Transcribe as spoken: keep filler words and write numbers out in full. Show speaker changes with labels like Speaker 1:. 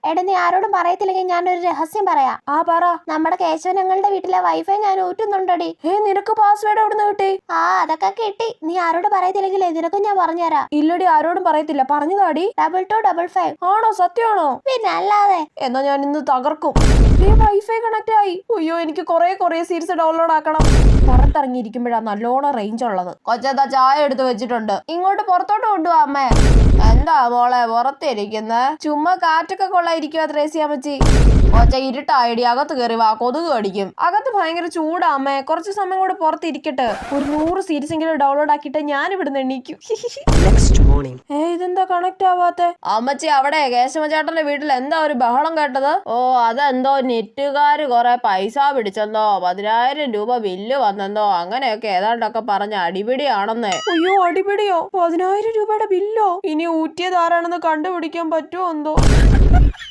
Speaker 1: എടാ നീ ആരോടും പറയത്തില്ലെങ്കിൽ ഞാനൊരു രഹസ്യം പറയാം.
Speaker 2: ആ പറ.
Speaker 1: നമ്മുടെ കേശവനങ്ങളുടെ വീട്ടിലെ വൈഫൈ ഞാൻ ഊറ്റുന്നുണ്ടടി.
Speaker 2: ഏ നിനക്ക് പാസ്വേഡ് എവിടുന്ന് കിട്ടി?
Speaker 1: ആ അതൊക്കെ കിട്ടി. നീ ആരോട് പറയത്തില്ലെങ്കിലേ നിനക്കും ഞാൻ പറഞ്ഞുതരാം.
Speaker 2: ഇല്ലടി, ആരോടും പറയത്തില്ല. പറഞ്ഞതാടി.
Speaker 1: Double two double five.
Speaker 2: ആണോ? സത്യമാണോ?
Speaker 1: പിന്നെ അല്ലാതെ.
Speaker 2: എന്നാ ഞാൻ ഇന്ന് തകർക്കും. വൈഫൈ കണക്ട് ആയി. അയ്യോ, എനിക്ക് കൊറേ കൊറേ സീരീസ് ഡൗൺലോഡ് ആക്കണം. പുറത്തിറങ്ങിയിരിക്കുമ്പോഴാണ് നല്ലോണം റേഞ്ച് ഉള്ളത്. കൊച്ചെന്താ ചായ എടുത്ത് വെച്ചിട്ടുണ്ട്, ഇങ്ങോട്ട് പുറത്തോട്ട് കൊണ്ടുപോവാ അമ്മേ. എന്താ മോളെ പുറത്തിരിക്കുന്ന? ചുമ്മാ കാറ്റൊക്കെ കൊള്ളായിരിക്കുവാ ത്രേസ്യാമ്മച്ചി. കൊച്ച ഇരുട്ടായിടി, അകത്ത് കയറി വാ, കൊതുക് കടിക്കും. അകത്ത് ഭയങ്കര ചൂടാ അമ്മേ, കുറച്ച് സമയം കൂടെ പുറത്തിരിക്കട്ടെ. ഒരു നൂറ് സീരീസ് എങ്കിലും ഡൗൺലോഡ് ആക്കിയിട്ട് ഞാൻ ഇവിടുന്ന് എണീക്കും. ഏ ഇതെന്താ കണക്ട് ആവാത്തെ? അമ്മച്ചി അവിടെ കേശവചേട്ടന്റെ വീട്ടിൽ എന്താ ഒരു ബഹളം കേട്ടത്? ഓ അതെന്തോ നെറ്റുകാര് കൊറേ പൈസ പിടിച്ചെന്നോ പതിനായിരം രൂപ ബില്ല് വന്നെന്നോ അങ്ങനെയൊക്കെ ഏതാണ്ടൊക്കെ പറഞ്ഞ അടിപിടിയാണെന്നേ. അയ്യോ, അടിപിടിയോ? പതിനായിരം രൂപയുടെ ബില്ലോ? ഇനി ഊറ്റിയത് ആരാണെന്ന് കണ്ടുപിടിക്കാൻ പറ്റുമോ എന്തോ.